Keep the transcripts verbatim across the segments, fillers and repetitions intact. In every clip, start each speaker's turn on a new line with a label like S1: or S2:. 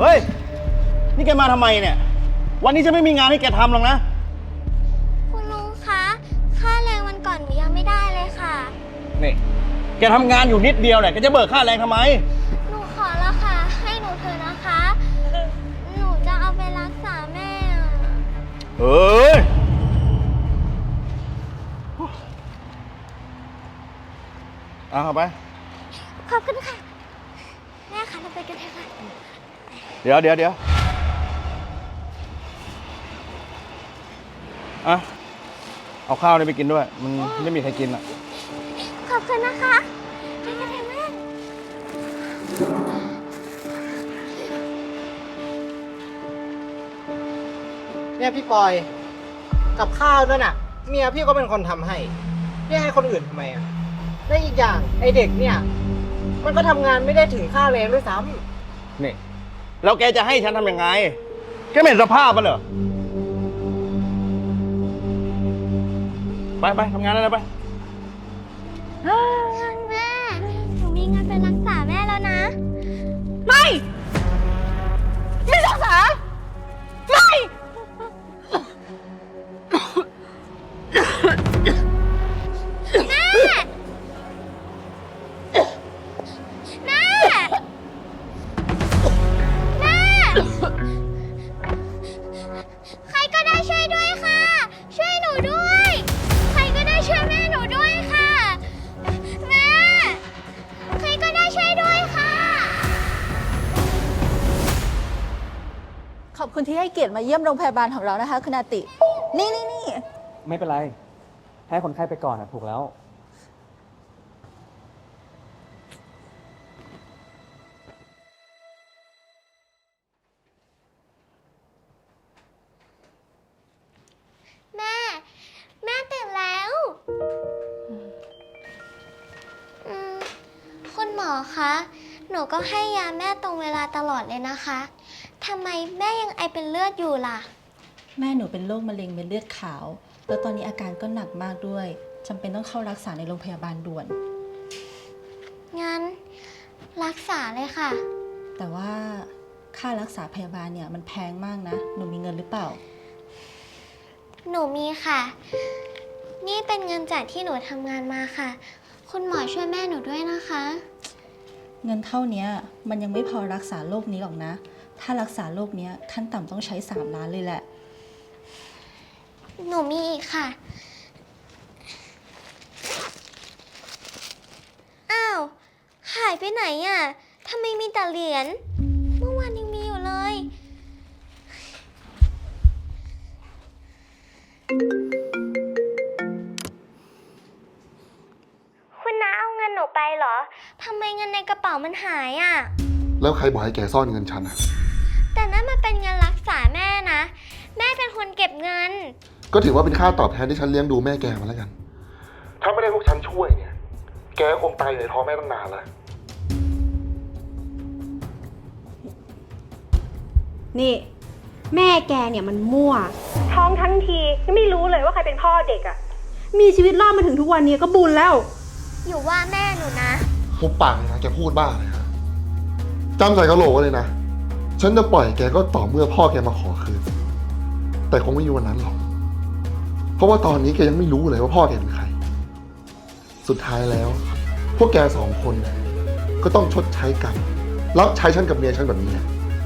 S1: เฮ้ยนี่แกมาทำไมเนี่ยวันนี้จะไม่มีงานให้แกทำหรอกนะ
S2: คุณลุงคะค่าแรงวันก่อนหนูยังไม่ได้เลยค่ะ
S1: นี่แกทำงานอยู่นิดเดียวเนี่ยแกจะเบิกค่าแรงทำไม
S2: หนูขอแล้วค่ะให้หนูเถอะนะคะหนูจะเอาไปรักษาแม่
S1: เฮ้ยเอาไป
S2: ขอบคุณค่ะแม่คะเราไปกันเถอะค่ะ
S1: เดี๋ยวเดี๋ยวเดี๋ยวอ่ะเอาข้าวนี่ไปกินด้วยมันไม่มีใครกินอ่ะ
S2: ขอบคุณนะคะไปกันเถอะแม่
S3: เนี่ยพี่ปอยกับข้าวนั่นน่ะเมียพี่ก็เป็นคนทำให้พี่ให้คนอื่นทำไมอ่ะและอีกอย่างไอเด็กเนี่ยมันก็ทำงานไม่ได้ถึงค่าแรงด้วยซ้
S1: ำนี่แล้วแกจะให้ฉันทำยังไงแกไม่เห็นสภาพมันเหรอไปไปทำงานได้แล้วไป
S2: แม่หนูมีเงินไปรักษาแม่แล้วนะ
S4: ไม่ไม่รักษาไม่
S2: แม่แม่แม่ใครก็ได้ช่วยด้วยค่ะช่วยหนูด้วยใครก็ได้ช่วยแม่หนูด้วยค่ะแม่ใครก็ได้ช่วยด้วยค่ะ
S4: ขอบคุณที่ให้เกียรติมาเยี่ยมโรงพยาบาลของเรานะคะคุณอาติ นี่นี่นี่
S5: ไม่เป็นไรให้คนไข้ไปก่อนนะถูกแล้ว
S2: แม่แม่ตื่นแล้วอืมคุณหมอคะหนูก็ให้ยาแม่ตรงเวลาตลอดเลยนะคะทำไมแม่ยังไอเป็นเลือดอยู่ล่ะ
S4: แม่หนูเป็นโรคมะเร็งเม็ดเลือดขาวแล้วตอนนี้อาการก็หนักมากด้วยจำเป็นต้องเข้ารักษาในโรงพยาบาลด่วน
S2: งั้นรักษาเลยค่ะ
S4: แต่ว่าค่ารักษาพยาบาลเนี่ยมันแพงมากนะหนูมีเงินหรือเปล่า
S2: หนูมีค่ะนี่เป็นเงินจากที่หนูทำงานมาค่ะคุณหมอช่วยแม่หนูด้วยนะคะ
S4: เงินเท่านี้มันยังไม่พอรักษาโรคนี้หรอกนะถ้ารักษาโรคนี้ขั้นต่ำต้องใช้สามล้านเลยแหละ
S2: หนูมีอีกค่ะอ้าวหายไปไหนอ่ะทำไมมีแต่เหรียญเมื่อวานยังมีอยู่เลยคุณน้าเอาเงินหนูไปเหรอทำไมเงินในกระเป๋ามันหายอ่ะ
S6: แล้วใครบอกให้แกซ่อนเงินฉันอะ
S2: แต่นั่นมันเป็นเงินรักษาแม่นะแม่เป็นคนเก็บเงิน
S6: ก็ถือว่าเป็นค่าตอบแทนที่ฉันเลี้ยงดูแม่แกมาแล้วกันถ้าไม่ได้พวกฉันช่วยเนี่ยแกคงตายอยู่ในท้องแม่ตั้งนานแล้ว
S7: นี่แม่แกเนี่ยมันมั่วท้องทั้งทียังไม่รู้เลยว่าใครเป็นพ่อเด็กอะมีชีวิตรอดมาถึงทุกวันนี้ก็บุญแล้ว
S2: อยู่ว่าแม่หนูนะ
S6: หุบปากเลยนะแกพูดบ้าเลยฮะจำใส่กระโหลกเลยนะฉันจะปล่อยแกก็ต่อเมื่อพ่อแกมาขอคืนแต่คงไม่มีวันนั้นหรอกเพราะว่าตอนนี้แกยังไม่รู้เลยว่าพ่อแกเป็นใครสุดท้ายแล้วพวกแกสองคนก็ต้องชดใช้กรรมรับใช้ฉันกับเมียฉันแบบนี้แหละ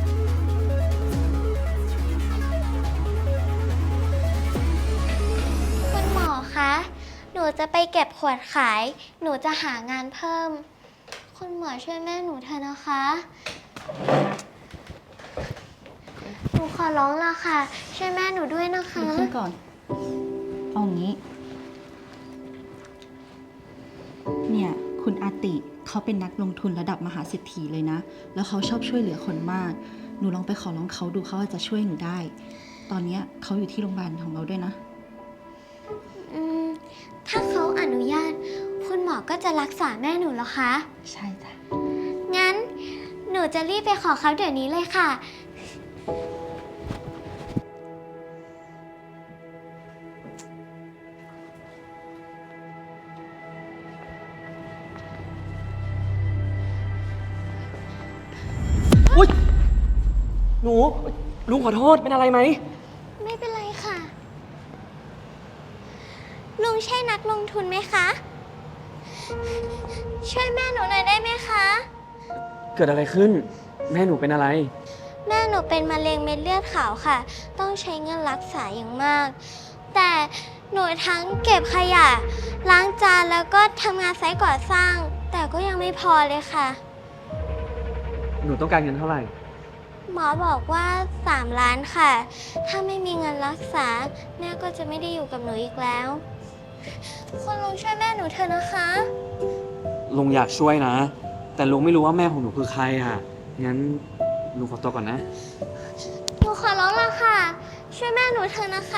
S2: คุณหมอคะหนูจะไปเก็บขวดขายหนูจะหางานเพิ่มคุณหมอช่วยแม่หนูเถอะนะคะหนูขอร้องละค่ะช่วยแม่หนูด้วยนะคะ
S4: ลุกขึ้นก่อนเอางี้เนี่ยคุณอาติเขาเป็นนักลงทุนระดับมหาเศรษฐีเลยนะแล้วเขาชอบช่วยเหลือคนมากหนูลองไปขอร้องเขาดูเขาอาจจะช่วยหนูได้ตอนนี้เขาอยู่ที่โรงพยาบาลของเราด้วยนะ
S2: อืมถ้าเขาอนุญาตคุณหมอก็จะรักษาแม่หนูเหรอคะ
S4: ใช่จ้ะ
S2: งั้นหนูจะรีบไปขอเขาเดี๋ยวนี้เลยค่ะ
S5: หนู ลุงขอโทษ เป็นอะไรไหม
S2: ไม่เป็นไรค่ะ ลุงใช่นักลงทุนไหมคะ ช่วยแม่หนูหน่อยได้ไหมคะ
S5: เกิดอะไรขึ้น แม่หนูเป็นอะไร
S2: แม่หนูเป็นมะเร็งเม็ดเลือดขาวค่ะ ต้องใช้เงินรักษาอย่างมาก แต่หนูทั้งเก็บขยะ ล้างจานแล้วก็ทำงานไซต์ก่อสร้าง แต่ก็ยังไม่พอเลยค่ะ
S5: หนูต้องการเงินเท่าไหร่
S2: หมอบอกว่าสามล้านค่ะ ถ้าไม่มีเงินรักษา แม่ก็จะไม่ได้อยู่กับหนูอีกแล้ว คุณลุงช่วยแม่หนูเถอะนะคะ
S5: ลุงอยากช่วยนะ แต่ลุงไม่รู้ว่าแม่ของหนูคือใครอ่ะ งั้นลุงขอตัวก่อนนะ
S2: หนูขอร้องละค่ะ ช่วยแม่หนูเถอะนะคะ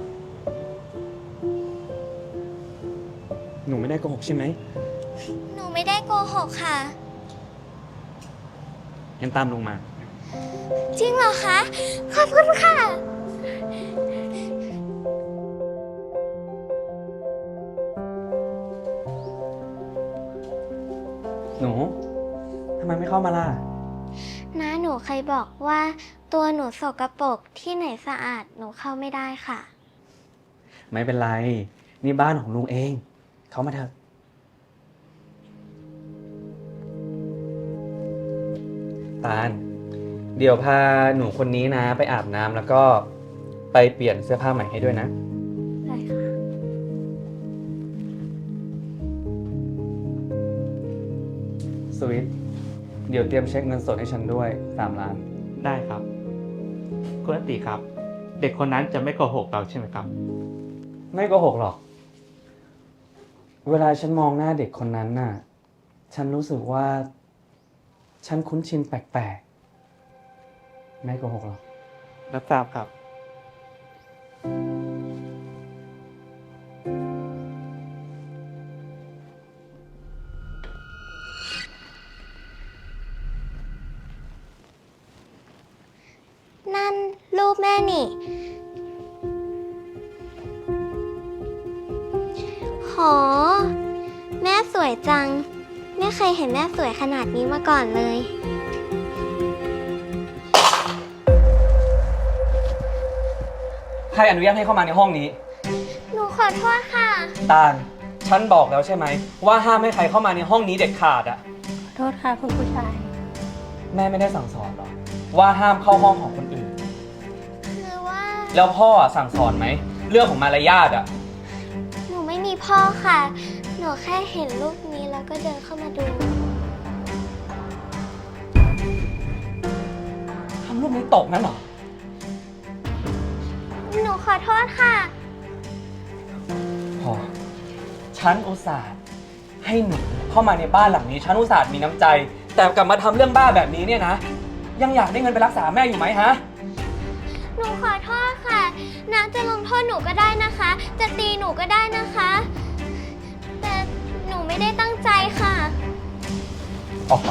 S5: หนูไม่ได้โกหกใช่ไหม
S2: หนูไม่ได้โกหกค่ะ
S5: งั้นตามลุงมา
S2: จริงเหรอคะ ขอบคุณค่ะ
S5: หนูทำไมไม่เข้ามาล่ะ
S2: น้าหนูเคยบอกว่าตัวหนูสกปรกที่ไหนสะอาดหนูเข้าไม่ได้ค่ะ
S5: ไม่เป็นไร นี่บ้านของลุงเอง เข้ามาเถอะ ตาล เดี๋ยวพาหนูคนนี้นะ ไปอาบน้ำแล้วก็ไปเปลี่ยนเสื้อผ้าใหม่ให้ด้วยนะ
S2: ได้ค่ะ
S5: สวิต เดี๋ยวเตรียมเช็คเงินสดให้ฉันด้วยสามล้าน
S8: ได้ครับ คุณอติครับ เด็กคนนั้นจะไม่โกหกเราใช่ไหมครับ
S5: ไม่โกหกหรอก เวลาฉันมองหน้าเด็กคนนั้นน่ะ ฉันรู้สึกว่า ฉันคุ้นชินแปลกๆ ไม่โกหกหรอก
S8: รับทราบครับ
S2: นั่นรูปแม่นี่ โห แม่สวยจัง ไม่เคยเห็นแม่สวยขนาดนี้มาก่อนเลย
S5: ใครอนุญาตให้เข้ามาในห้องนี้
S2: หนูขอโทษค่ะ
S5: ตาล ฉันบอกแล้วใช่ไหม ว่าห้ามให้ใครเข้ามาในห้องนี้เด็ดขาดอะ
S7: ขอโทษค่ะคุณผู้ชาย
S5: แม่ไม่ได้สั่งสอนหรอ ว่าห้ามเข้าห้องของคนอื่น
S2: คือว่า
S5: แล้วพ่ออะสั่งสอนไหม เรื่องของมารยาทอะ
S2: หนูไม่มีพ่อค่ะ หนูแค่เห็นรูปนี้แล้วก็เดินเข้ามาดู
S5: ทำรูปนี้ตกนั่นเหรอ
S2: หนูขอโทษค่ะ
S5: พอ ฉันอุตส่าห์ให้หนูเข้ามาในบ้านหลังนี้ ฉันอุตส่าห์มีน้ำใจ แต่กลับมาทำเรื่องบ้าแบบนี้เนี่ยนะ ยังอยากได้เงินไปรักษาแม่อยู่ไหมฮะ
S2: หนูขอโทษค่ะน้าจะลงโทษหนูก็ได้นะคะ จะตีหนูก็ได้นะคะ แต่หนูไม่ได้ตั้งใจค่ะ
S5: ออกมา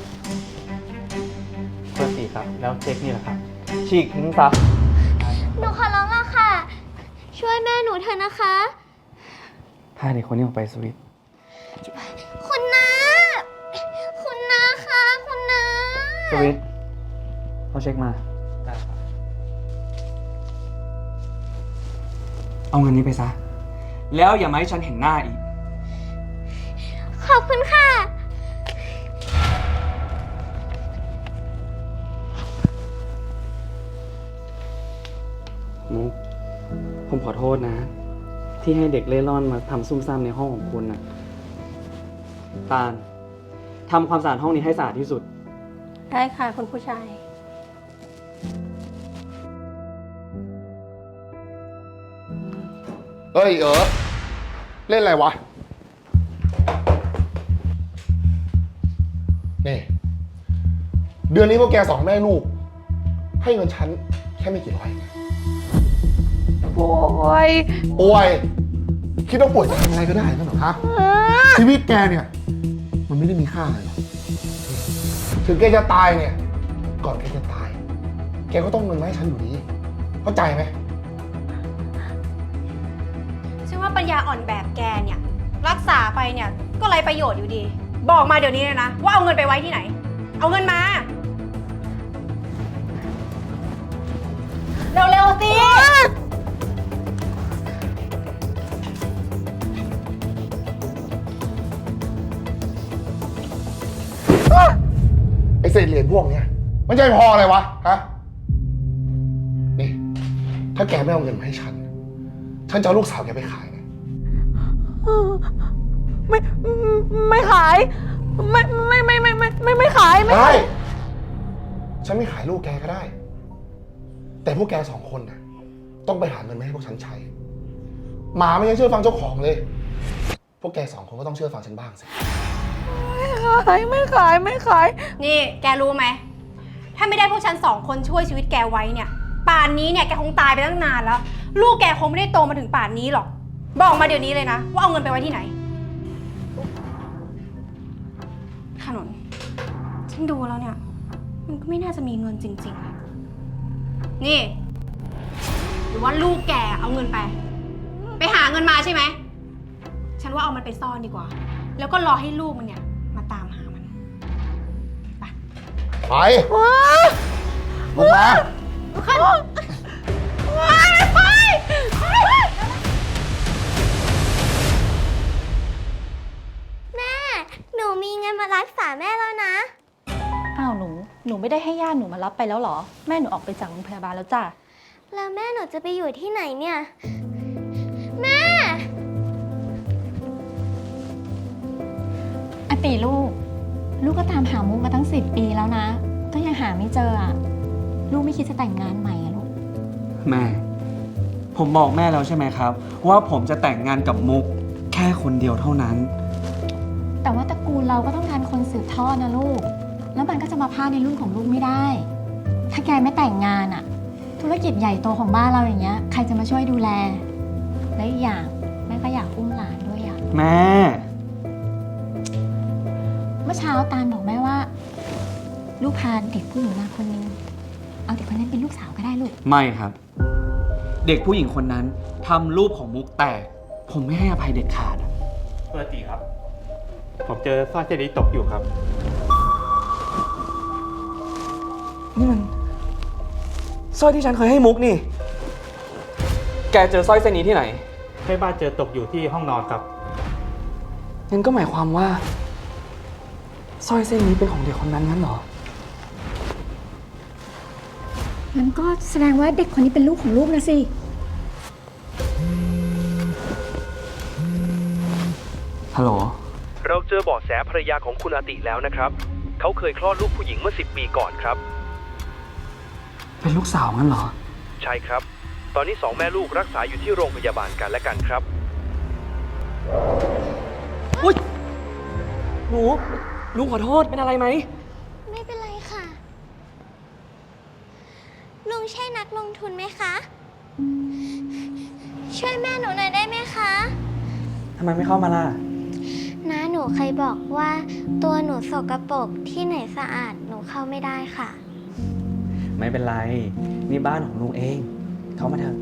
S8: คุณอติครับ แล้วเช็คนี่แหละครับ
S5: ฉีกทิ้งซะ
S2: หนูขอร้องละค่ะ ช่วยแม่หนูเถอะนะคะ
S5: พาเด็กคนนี้ออกไปสวิต
S2: คุณน้า คุณน้าคะคุณน้า
S5: สวิตเขาเช็คมา เอาเงินนี้ไปซะ แล้วอย่ามาให้ฉันเห็นหน้าอีก
S2: ขอบคุณค่ะ
S5: มุก ผมขอโทษนะ ที่ให้เด็กเล่ร่อนมาทำซุ่มซ่ามในห้องของคุณน่ะ ตาลทำความสะอาดห้องนี้ให้สะอาดที่สุด
S7: ได้ค่ะคุณผู้ชาย
S6: เฮ้ยเออเล่นอะไรวะ นี่ เดือนนี้พวกแกสองแม่ลูก ให้เงินฉันแค่ไม่กี่ร้อย
S7: ป่วย
S6: ป่วย คิดว่าป่วยจะทำอะไรก็ได้นั่นเหรอฮะ ชีวิตแกเนี่ย มันไม่ได้มีค่าอะไรหรอกถึงแกจะตายเนี่ย ก่อนแกจะตาย แกก็ต้องเงินมาให้ฉันอยู่ดี เข้าใจไหม
S7: ซึ่งว่าปัญญาอ่อนแบบแกเนี่ย รักษาไปเนี่ยก็ไรประโยชน์อยู่ดี บอกมาเดี๋ยวนี้เลยนะ ว่าเอาเงินไปไว้ที่ไหน เอาเงินมา
S6: อ้เศษเหรียญพวกเนี้ยมันจะไปพออะไรวะ ฮะ นี่ ถ้าแกไม่เอาเงินมาให้ฉัน ฉันจะเอาลูกสาวแกไปขายนะ
S9: ไม่ไม่ขาย ไม่ไม่ไม่ไม่ไม่ไม่ไม่ขายไม่
S6: ได้ ฉันไม่ขายลูกแกก็ได้ แต่พวกแกสองคนนะต้องไปหาเงินมาให้พวกฉันใช้ หมาไม่ยังเชื่อฟังเจ้าของเลย พวกแกสองคนก็ต้องเชื่อฟังฉันบ้างสิ
S9: ไม่ขายไม่ขายไม่ขาย
S7: นี่แกรู้ไหม ถ้าไม่ได้พวกฉันสองคนช่วยชีวิตแกไว้เนี่ย ป่านนี้เนี่ยแกคงตายไปตั้งนานแล้ว ลูกแกคงไม่ได้โตมาถึงป่านนี้หรอก บอกมาเดี๋ยวนี้เลยนะ ว่าเอาเงินไปไว้ที่ไหน ขนนฉันดูแล้วเนี่ย มันก็ไม่น่าจะมีเงินจริงๆ นี่ หรือว่าลูกแกเอาเงินไป ไปหาเงินมาใช่ไหม ฉันว่าเอามันไปซ่อนดีกว่า แล้วก็รอให้ลูกมันเนี่ยมาตามหามัน ไป
S6: ไปลงมา
S2: แม่ หนูมีเงินมารักษาแม่แล้วนะ
S4: อ้าวหนู หนูไม่ได้ให้ญาติหนูมารับไปแล้วเหรอ แม่หนูออกไปจากโรงพยาบาลแล้วจ้ะ
S2: แล้วแม่หนูจะไปอยู่ที่ไหนเนี่ย แม่
S10: อติลูก ลูกก็ตามหามุกมาตั้งสิบปีแล้วนะ ก็ยังหาไม่เจออ่ะ ลูกไม่คิดจะแต่งงานใหม่อะลูก
S5: แม่ ผมบอกแม่แล้วใช่ไหมครับ ว่าผมจะแต่งงานกับมุกแค่คนเดียวเท่านั้น
S10: แต่ว่าตระกูลเราก็ต้องการคนสืบทอดนะลูก แล้วมันก็จะมาพลาดในรุ่นของลูกไม่ได้ ถ้าแกไม่แต่งงานอ่ะ ธุรกิจใหญ่โตของบ้านเราอย่างเงี้ย ใครจะมาช่วยดูแล และอีกอย่างแม่ก็อยากอุ้มหลานด้วยอ่ะ
S5: แม่
S10: เมื่อเช้าตาลบอกแม่ว่า ลูกพาเด็กผู้หญิงมาคนนึง เอาเด็กคนนั้นเป็นลูกสาวก็ได้ลูก
S5: ไม่ครับ เด็กผู้หญิงคนนั้นทำรูปของมุกแตก ผมไม่ให้อภัยเด็ดขาดอะ
S8: ปกติครับ ผมเจอสร้อยเส้นนี้ตกอยู่ครับ
S5: นี่มันสร้อยที่ฉันเคยให้มุกนี่ แกเจอสร้อยเส้นนี้ที่ไหน
S8: แม่บ้านเจอตกอยู่ที่ห้องนอนครับ
S5: งั้นก็หมายความว่าสร้อยเส้นนี้เป็นของเด็กคนนั้นงั้นเหรอ
S10: งั้นก็แสดงว่าเด็กคนนี้เป็นลูกของลูกนะสิ
S5: ฮัลโหล
S11: เราเจอเบาะแสภรรยาของคุณอาติแล้วนะครับ เขาเคยคลอดลูกผู้หญิงเมื่อสิบปีก่อนครับ
S5: เป็นลูกสาวงั้นเหรอ
S11: ใช่ครับ ตอนนี้สองแม่ลูกรักษาอยู่ที่โรงพยาบาลกันและกันครับ
S5: อุ้ยหนูลุงขอโทษ เป็นอะไรไหม
S2: ไม่เป็นไรค่ะ ลุงใช่นักลงทุนไหมคะ ช่วยแม่หนูหน่อยได้ไหมคะ
S5: ทำไมไม่เข้ามาล่ะ
S2: น้าหนูเคยบอกว่าตัวหนูสกปรกที่ไหนสะอาดหนูเข้าไม่ได้ค่ะ
S5: ไม่เป็นไร นี่บ้านของลุงเอง เข้ามาเถอะ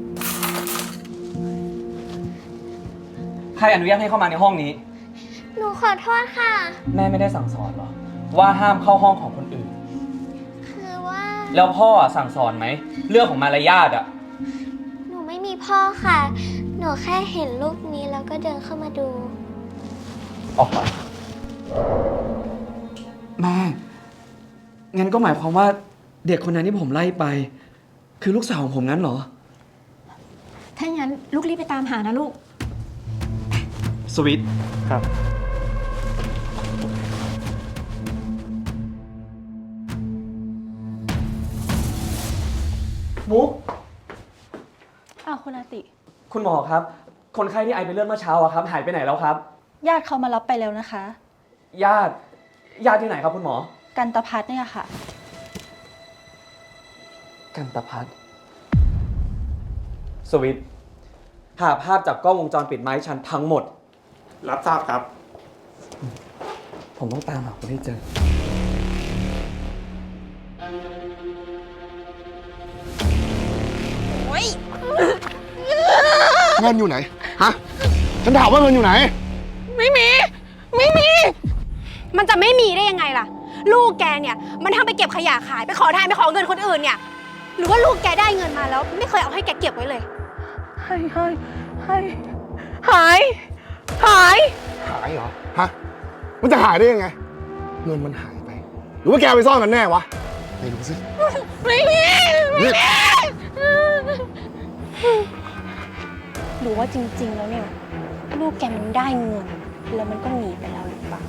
S5: ใครอนุญาตให้เข้ามาในห้องนี้
S2: หนูขอโทษค่ะ
S5: แม่ไม่ได้สั่งสอนหรอ ว่าห้ามเข้าห้องของคนอื่น
S2: คือว่า
S5: แล้วพ่อสั่งสอนไหม เรื่องของมารยาทอะ
S2: หนูไม่มีพ่อค่ะ หนูแค่เห็นรูปนี้แล้วก็เดินเข้ามาดู
S5: ออกไปแม่ งั้นก็หมายความว่าเด็กคนนั้นที่ผมไล่ไป คือลูกสาวของผมงั้นเหรอ
S10: ถ้าอย่างนั้นลูกรีบไปตามหานะลูก
S5: สวิต
S8: ครับ
S5: มุก
S4: อ้าวคุณอาติ
S5: คุณหมอครับ คนไข้ที่ไอเป็นเลือดเมื่อเช้าอะครับ หายไปไหนแล้วครับ
S4: ญาติเขามารับไปแล้วนะคะ
S5: ญาติ ญาติที่ไหนครับคุณหมอ
S4: กันตพัฒน์เนี่ยค่ะ
S5: กันตพัฒน์สวิต หาภาพจากกล้องวงจรปิดไมาให้ฉันทั้งหมด
S8: รับทราบครับ
S5: ผมต้องตามหาคนให้เจอ
S6: เงินอยู่ไหน ฮะ ฉันถามว่าเงินอยู่ไหน
S7: ไม่มี ไม่มี มันจะไม่มีได้ยังไงล่ะ ลูกแกเนี่ย มันทำไปเก็บขยะขายไปขอทานไปขอเงินคนอื่นเนี่ย หรือว่าลูกแกได้เงินมาแล้ว ไม่เคยเอาให้แกเก็บไว้เลย
S9: ให้ให้ให้หาย หาย
S6: หายเหรอ ฮะ มันจะหายได้ยังไง เงินมันหายไปรือว่าแกไปซ่อนกันแน่วะไหนดูสิ
S9: ไม่มีไม่มี
S7: หรือว่าจริงๆแล้วเนี่ย ลูกแกมันได้เงิน แล้วมันก็หนีไปแล้วหรือเปล่า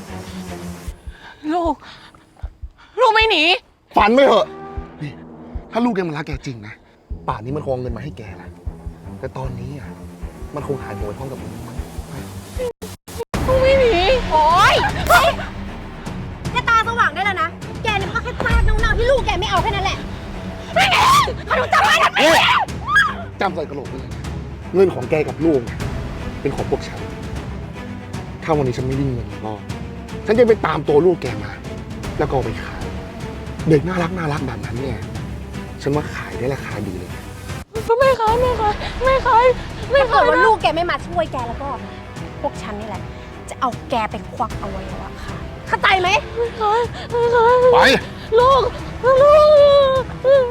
S9: ลูก ลูกไม่หนี
S6: ฝันไม่เหอะนี่ถ้าลูกแกมันรักแกจริงนะ ป่านนี้มันคงเอาเงินมาให้แกละแต่ตอนนี้อ่ะ มันคงหายหัวไปพร้อมกับมึงมั้ง
S9: ลูกไม่หนี
S7: โอ๊ยแค่ตาสว่างได้แล้วนะ แกนี่มันก็แค่ซากเน่าๆที่ลูกแกไม่เอาแค่นั้นแหละ
S9: ไม่หนีขนุนจำไว้นะไม่หนี
S6: จำใส่กระโหลกไว้เลยนะเงินของแกกับลูกเนี่ยเป็นของพวกฉัน ถ้าวันนี้ฉันไม่ได้เงินก็ ฉันจะไปตามตัวลูกแกมา แล้วก็เอาไปขาย เด็กน่ารักน่ารักแบบนั้นเนี่ย ฉันว่าขายได้ราคาดีเลยนะ
S9: ไม่ขายไม่ขายไม่ขายไม่
S7: ถ้า
S9: ขา
S7: เกิ
S9: ย
S7: ดว่า
S9: นะ
S7: ลูกแกไม่มาช่วยแกแล้วก็ พวกฉันนี่แหละ จะเอาแกไปควักอวัยวะค่ะ เข้าใจไหม
S9: ไม่ขายไม่ขาย
S6: ไป
S9: ลูกลูก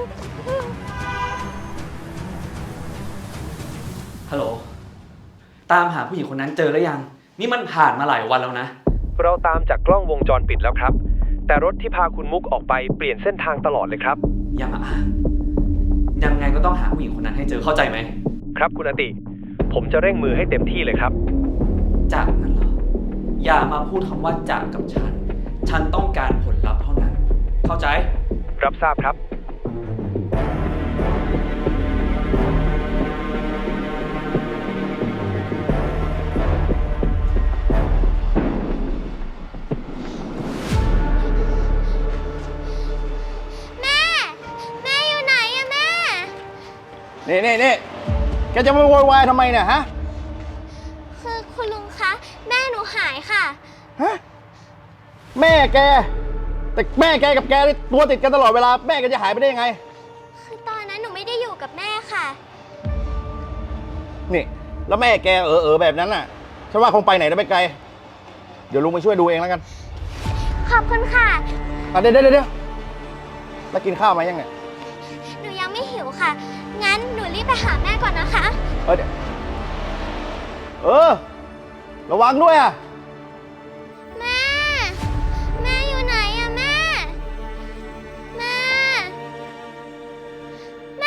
S5: ฮัลโหล ตามหาผู้หญิงคนนั้นเจอแล้วยัง นี่มันผ่านมาหลายวันแล้วนะ
S11: เราตามจากกล้องวงจรปิดแล้วครับ แต่รถที่พาคุณมุกออกไปเปลี่ยนเส้นทางตลอดเลยครับ
S5: อย่ามาอ้างยังไงก็ต้องหาผู้หญิงคนนั้นให้เจอเข้าใจไหม
S11: ครับคุณอติ ผมจะเร่งมือให้เต็มที่เลยครับ
S5: จากนั้นเหรอ อย่ามาพูดคำว่าจากกับฉัน ฉันต้องการผลลัพธ์เท่านั้น เข้าใจ
S11: รับทราบครับ
S2: แม่ แม่อยู่ไหนอะแม่
S1: นี่นี่นี่แกจะมาโวยวายทำไมเนี่ยฮะ
S2: คือคุณลุงคะ แม่หนูหายค่ะ
S1: ฮะ แม่แก แต่แม่แกกับแกนี่ตัวติดกันตลอดเวลา แม่แกจะหายไปได้ยังไง
S2: คือตอนนั้นหนูไม่ได้อยู่กับแม่ค่ะ
S1: นี่ แล้วแม่แกเออเออแบบนั้นน่ะ ฉันว่าคงไปไหนได้ไม่ไกล เดี๋ยวลุงไปช่วยดูเองแล้วกัน
S2: ขอบคุณค่ะ
S1: อ่ะเดี๋ยวเดี๋ยวเดี๋ยวแล้วกินข้าวมายังไง
S2: หนูยังไม่หิวค่ะ งั้นหนูรีบไปหาแม่ก่อนนะคะ
S1: เออเดี๋ยวเออ ระวังด้วยอ่ะ
S2: แม่ แม่อยู่ไหนอะแม่ แม่ แม่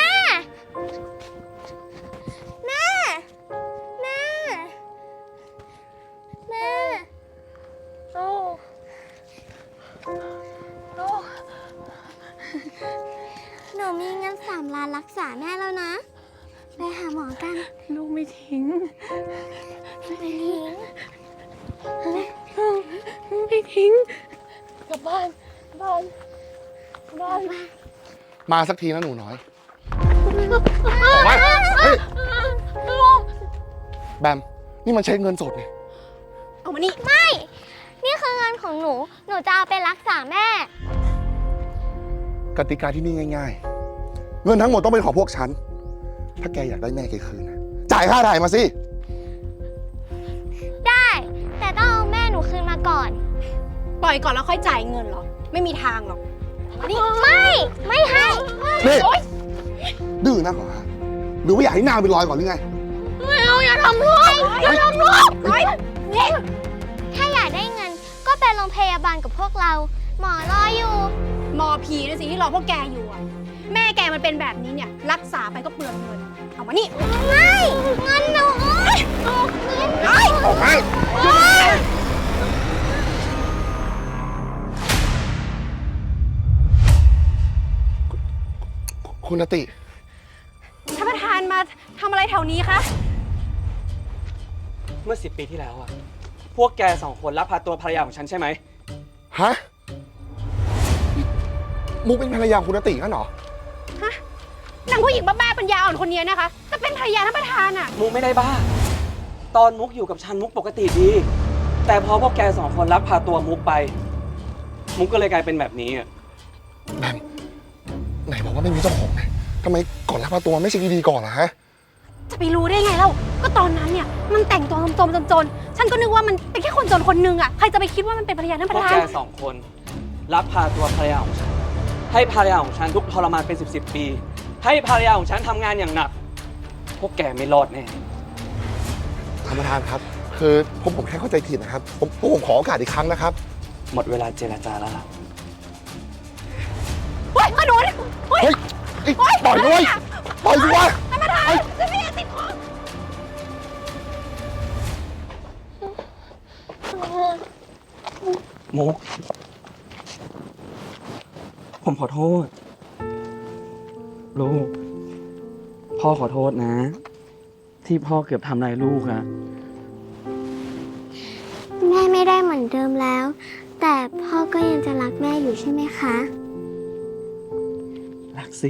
S2: แม่ แม่ แม่
S9: ลูกลูก
S2: หนูมีเงินสามล้านรักษาแม่แล้วนะ ไปหาหมอกัน
S9: ลูกไม่ทิ้ง
S2: ไม่ทิ้ง
S9: ไม่ทิ้งกลับบ้านบ้านบ้าน
S6: มาสักทีนะหนูน้อยออกมาเฮ้ย
S9: ลูก
S6: แบม นี่มันใช้เงินสดนี่
S7: เอามานี่
S2: ไม่ นี่คือเงินของหนู หนูจะเอาไปรักษาแม่
S6: กติกาที่นี่ง่ายๆ เงินทั้งหมดต้องเป็นของพวกฉัน ถ้าแกอยากได้แม่แกคืนนะจ่ายค่าถ่ายมาสิ
S2: ได้ แต่ต้องเอาแม่หนูคืนมาก่อน
S7: ปล่อยก่อนแล้วค่อยจ่ายเงินเหรอ ไม่มีทางหรอก
S2: นี่ไม่ ไม่ให้
S6: นี่ ดื้อนักเหรอฮะหรือว่าอยากให้หน้าเป็นรอยก่อนหรือไง
S9: ไม่เอาอย่าทำลูกอย่าทำลูก
S2: นี่ถ้าอยากได้เงินก็ไปโรงพยาบาลกับพวกเรา หมอรออยู่
S7: หมอผีนะสิที่รอพวกแกอยู่อะแม่แกมันเป็นแบบนี้เนี่ย รักษาไปก็เปลืองเงิน เอามานี่
S2: ไม่ เงินหนูเงินหนู
S6: ออกมาคุณอติ
S7: ท่านประธานมาทำอะไรแถวนี้คะ
S5: เมื่อสิบปีที่แล้วอะพวกแกสองคนลักพาตัวภรรยาของฉันใช่ไหม
S6: ฮะ มุกเป็นภรรยาคุณอติงั้นเหรอ
S7: ฮะนางผู้หญิงบ้าๆปัญญาอ่อนคนนี้นะคะจะเป็นภรรยาท่านประธานอะ
S5: มุกไม่ได้บ้า ตอนมุกอยู่กับฉันมุกปกติดี แต่พอพวกแกสองคนลักพาตัวมุกไป มุกก็เลยกลายเป็นแบบนี้อะ
S6: แบม ไหนบอกว่าไม่มีเจ้าของไงทำไมก่อนรับพาตัวไม่เช็คดีๆก่อนล่ะฮะ
S7: จะไปรู้ได้ไงเล่า ก็ตอนนั้นเนี่ยมันแต่งตัวจมๆจนๆ ฉันก็นึกว่ามันเป็นแค่คนจนคนหนึงอะใครจะไปคิดว่ามันเป็นภรรยาท่านป
S5: พว
S7: ระ
S5: ก
S7: ธา
S5: แก
S7: น
S5: สองคนลักพาตัวภรรยาของฉัน ให้ภรรยาของฉันทุกข์ทรมานเป็นสิบสิบปี ให้ภรรยาของฉันทำงานอย่างหนัก พวกแกไม่รอดแน่
S6: ท่านประธานครับ คือผมผมแค่เข้าใจผิดนะครับ ผมผมขอโอกาสอีกครั้งนะครับ
S5: หมดเวลาเจรจาแล้วล่ะ
S1: เอ้ยปล่อยด้วยปล่อยสิวะ
S9: ท่านประธานฉันไม่อยากติดคุก
S5: มุก ผมขอโทษ ลูก พ่อขอโทษนะ ที่พ่อเกือบทำร้ายลูกอะ
S2: แม่ไม่ได้เหมือนเดิมแล้ว แต่พ่อก็ยังจะรักแม่อยู่ใช่ไหมคะ
S5: รักสิ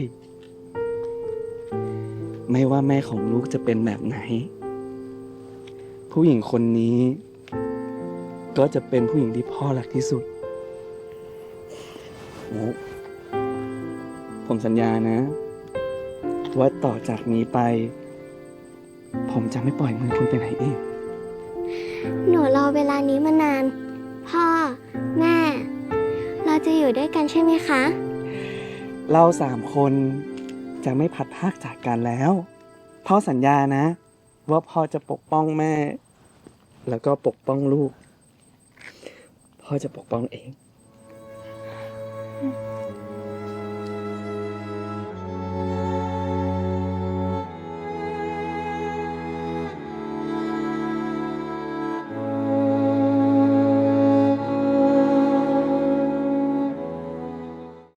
S5: ไม่ว่าแม่ของลูกจะเป็นแบบไหน ผู้หญิงคนนี้ ก็จะเป็นผู้หญิงที่พ่อรักที่สุดมุก ผมสัญญานะ ว่าต่อจากนี้ไป ผมจะไม่ปล่อยมือคุณไปไหนอีก
S2: หนูรอเวลานี้มานาน พ่อ แม่ เราจะอยู่ด้วยกันใช่ไหมคะ
S5: เราสามคนจะไม่พัดพรากจากกันแล้ว พ่อสัญญานะ ว่าพ่อจะปกป้องแม่ แล้วก็ปกป้องลูก พ่อจะปกป้องเอง